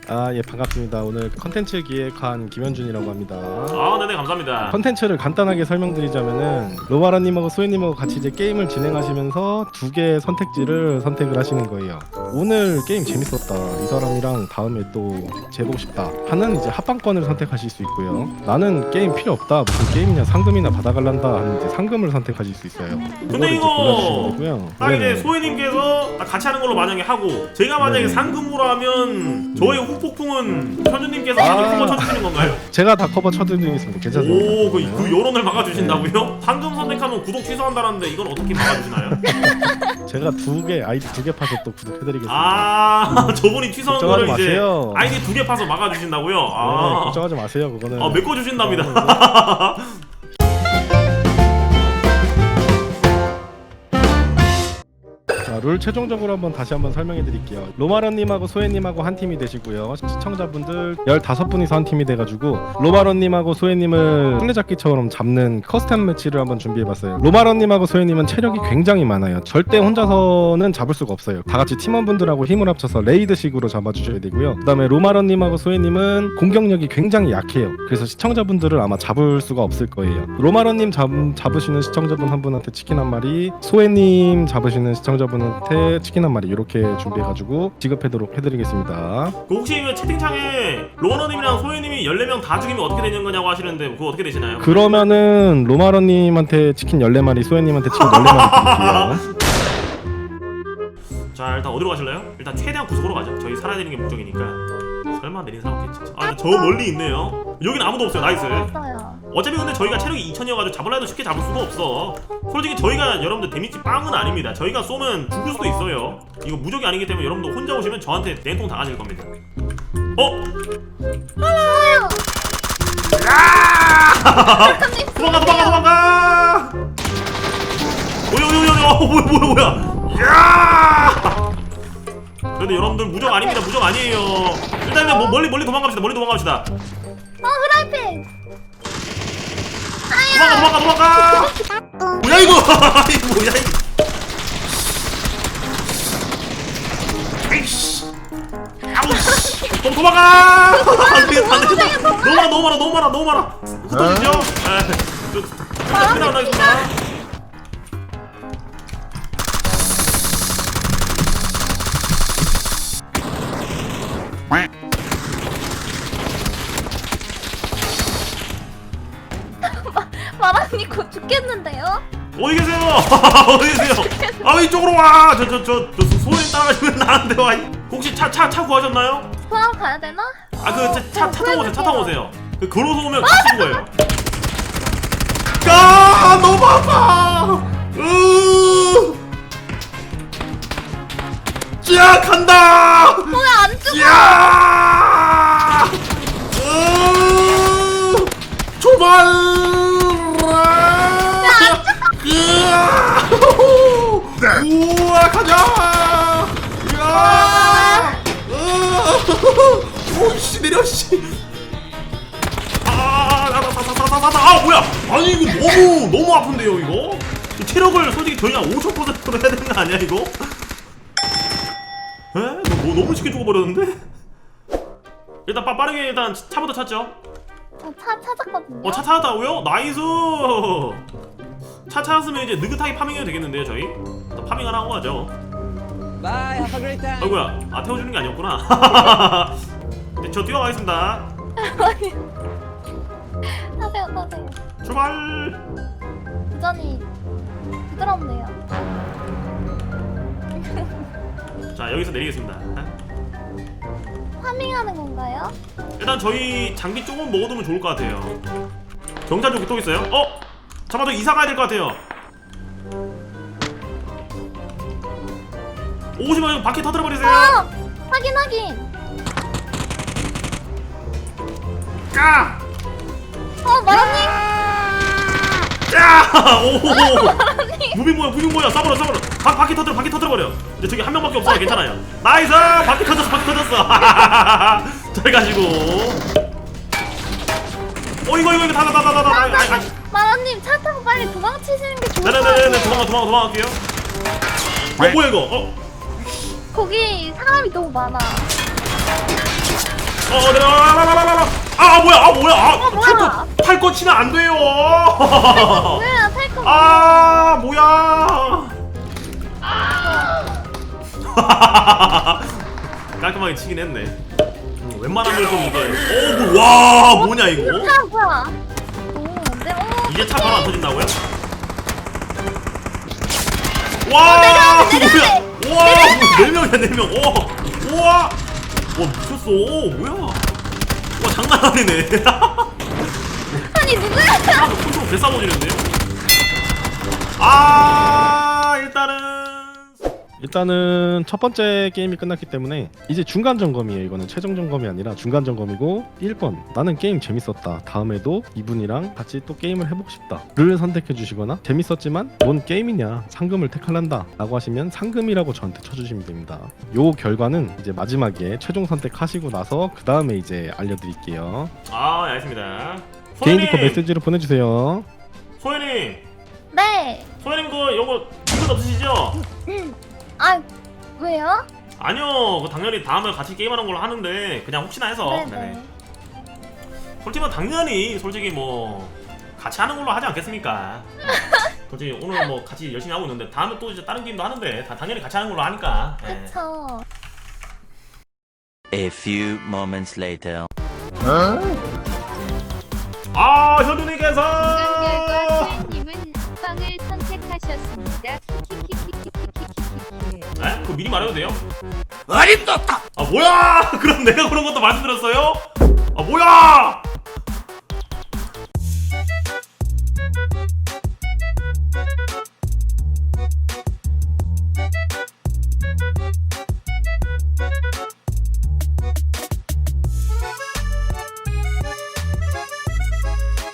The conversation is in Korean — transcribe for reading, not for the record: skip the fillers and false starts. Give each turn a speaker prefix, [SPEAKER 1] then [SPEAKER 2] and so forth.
[SPEAKER 1] 예, 반갑습니다. 오늘 컨텐츠 기획한 김현준이라고 합니다.
[SPEAKER 2] 네네, 감사합니다.
[SPEAKER 1] 컨텐츠를 간단하게 설명드리자면은 로마라님하고 소혜님하고 같이 이제 게임을 진행하시면서 두 개의 선택지를 선택을 하시는 거예요. 오늘 게임 재밌었다, 이 사람이랑 다음에 또 재보고 싶다 하는 이제 합방권을 선택하실 수 있고요. 나는 게임 필요 없다, 무슨 게임이냐, 상금이나 받아갈란다 하는 이제 상금을 선택하실 수 있어요.
[SPEAKER 2] 근데 이거 딱 이제 소혜님께서 같이 하는 걸로 만약에 하고, 제가 만약에 상금으로 하면 저의 후폭풍은 현준님께서 한번 쳐주시는 건가요?
[SPEAKER 1] 제가 다 커버 쳐드리겠습니다. 괜찮습니다.
[SPEAKER 2] 오, 그 여론을 막아주신다고요? 상금 선택하면 구독 취소한다는데 이건 어떻게 막아주시나요?
[SPEAKER 1] 제가 아이디 두 개 파서 또 구독해드리겠습니다.
[SPEAKER 2] 저분이 취소한 거를 이제
[SPEAKER 1] 마세요.
[SPEAKER 2] 아이디 2개 파서 막아주신다고요?
[SPEAKER 1] 네, 걱정하지 마세요. 그거는
[SPEAKER 2] 메꿔주신답니다.
[SPEAKER 1] 자, 룰 최종적으로 다시 한번 설명해 드릴게요. 로마런님하고 소혜님하고 한 팀이 되시고요. 시청자분들 15분이서 한 팀이 돼가지고 로마런님하고 소혜님을 술래잡기처럼 잡는 커스텀 매치를 한번 준비해봤어요. 로마런님하고 소혜님은 체력이 굉장히 많아요. 절대 혼자서는 잡을 수가 없어요. 다같이 팀원분들하고 힘을 합쳐서 레이드식으로 잡아주셔야 되고요. 그 다음에 로마런님하고 소혜님은 공격력이 굉장히 약해요. 그래서 시청자분들을 아마 잡을 수가 없을 거예요. 로마런님 잡으시는 시청자분 한 분한테 치킨 한 마리, 소혜님 잡으시는 시청자분한테 치킨 한 마리 이렇게 준비해가지고 지급하도록 해드리겠습니다.
[SPEAKER 2] 혹시 채팅창에 로마런님이랑 소혜님이 14명 다 죽이면 어떻게 되는 거냐고 하시는데 그거 어떻게 되시나요?
[SPEAKER 1] 그러면은 로마런님한테 치킨 14마리, 소혜님한테 치킨 14마리 드릴게요.
[SPEAKER 2] 자, 일단 어디로 가실래요? 일단 최대한 구석으로 가죠. 저희 살아야 되는 게 목적이니까. 설마 내린 사람 없겠지. 저 멀리 있네요. 여긴 아무도 없어요. 나이스. 어차피 근데 저희가 체력이 2000이어가지고 잡으려 해도 쉽게 잡을 수가 없어. 솔직히 저희가 여러분들 데미지 빵은 아닙니다. 저희가 쏘면 죽을 수도 있어요. 이거 무적이 아니기 때문에 여러분들 혼자 오시면 저한테 냉통 당하실 겁니다. 도망가! 뭐야! 야! 근데 여러분들 무적 아닙니다. 무적 아니에요. 일단 멀리 도망갑시다.
[SPEAKER 3] 후라이팬.
[SPEAKER 2] 도망가. 뭐야 이거? 뭐야 이거? 에이씨. 도망가! 안 되겠다. 너무 많아. 흩어지죠? 나가겠습니다.
[SPEAKER 3] 마라님 곧 죽겠는데요?
[SPEAKER 2] 어디 계세요? 이쪽으로 와! 저 소리 따라가시면 나한테 와. 혹시 차 구하셨나요?
[SPEAKER 3] 포항 가야 되나?
[SPEAKER 2] 차 타고 오세요. 걸어서 오면 같이 거예요. 너무 아파! 야, 간다!
[SPEAKER 3] 뭐야, 안 죽어!
[SPEAKER 2] 야! 출발! 우와, 가자! 오씨, 내려, 씨! 뭐야! 아니, 이거 너무 아픈데요, 이거? 체력을 솔직히 저희가 50%로 해야 되는 거 아니야, 이거? 에? 너무 쉽게 죽어버렸는데? 일단 빠르게 일단 차부터 찾죠.
[SPEAKER 3] 차 찾았거든요.
[SPEAKER 2] 차 찾았다고요? 나이스! 차 찾았으면 이제 느긋하게 파밍해도 되겠는데요, 저희? 일단 파밍 하나 하고 가죠.
[SPEAKER 4] Bye, have a great time.
[SPEAKER 2] 아이고야, 태워주는 게 아니었구나. 네, 저 뛰어가겠습니다.
[SPEAKER 3] 타세요.
[SPEAKER 2] 출발!
[SPEAKER 3] 부전이 부드럽네요.
[SPEAKER 2] 자, 여기서 내리겠습니다.
[SPEAKER 3] 파밍하는 건가요?
[SPEAKER 2] 일단 저희 장비 조금 먹어두면 좋을 것 같아요. 경찰 쪽에 또 있어요? 잠깐만, 저 이사 가야 될 것 같아요. 오지마, 이거 바퀴 터뜨려버리세요.
[SPEAKER 3] 확인.
[SPEAKER 2] 까!
[SPEAKER 3] 마라님.
[SPEAKER 2] 무빙 뭐야? 싸버려. 바퀴 터뜨려버려. 근데 저기 한 명밖에 없어. 괜찮아요. 나이스! 바퀴 터졌어. 잘 가시고. 이거 다.
[SPEAKER 3] 마라님 차 타고 빨리 도망치시는 게 좋을 것
[SPEAKER 2] 네네네네,
[SPEAKER 3] 같아요.
[SPEAKER 2] 도망갈게요. 뭐야 이거?
[SPEAKER 3] 거기 사람이 너무 많아.
[SPEAKER 2] 내려와. 아 뭐야
[SPEAKER 3] 뭐야?
[SPEAKER 2] 탈거 치면 안 돼요.
[SPEAKER 3] 뭐야 탈거.
[SPEAKER 2] 아 뭐야. 깔끔하게 치긴 했네. 웬만하면 좀 이게 와 뭐냐 이거.
[SPEAKER 3] 차 뭐야? 오, 네, 오.
[SPEAKER 2] 이제 차 바로 안 터진다고요? 와 뭐야. 와 4명이야 4명. 우와 와 미쳤어. 뭐야. 와 장난 아니네.
[SPEAKER 3] 아니 누구야?
[SPEAKER 2] 아, 컨트롤 개 싸워지는데요? 아
[SPEAKER 1] 일단은 첫 번째 게임이 끝났기 때문에 이제 중간 점검이에요. 이거는 최종 점검이 아니라 중간 점검이고 1번 나는 게임 재밌었다. 다음에도 이분이랑 같이 또 게임을 해보고 싶다를 선택해 주시거나 재밌었지만 뭔 게임이냐 상금을 택할란다 라고 하시면 상금이라고 저한테 쳐주시면 됩니다. 요 결과는 이제 마지막에 최종 선택하시고 나서 그 다음에 이제 알려드릴게요.
[SPEAKER 2] 아 알겠습니다.
[SPEAKER 1] 개인 디코 메시지로 보내주세요.
[SPEAKER 2] 소연님
[SPEAKER 3] 네.
[SPEAKER 2] 소연님 그 요거 문제 없으시죠?
[SPEAKER 3] 아 왜요?
[SPEAKER 2] 아니요 그 당연히 다음에 같이 게임하는 걸로 하는데 그냥 혹시나 해서
[SPEAKER 3] 네네.
[SPEAKER 2] 솔직히 당연히 솔직히 뭐 같이 하는 걸로 하지 않겠습니까? 솔직히 오늘 뭐 같이 열심히 하고 있는데 다음에 또 이제 다른 게임도 하는데 다 당연히 같이 하는 걸로 하니까. 예.
[SPEAKER 3] 그쵸.
[SPEAKER 5] A few moments later.
[SPEAKER 2] 아 현우님께서
[SPEAKER 6] 님은 빵을 선택하셨습니다.
[SPEAKER 2] 네? 그거 미리 말해도 돼요? 아 뭐야 그럼 내가 그런 것도 말씀드렸어요?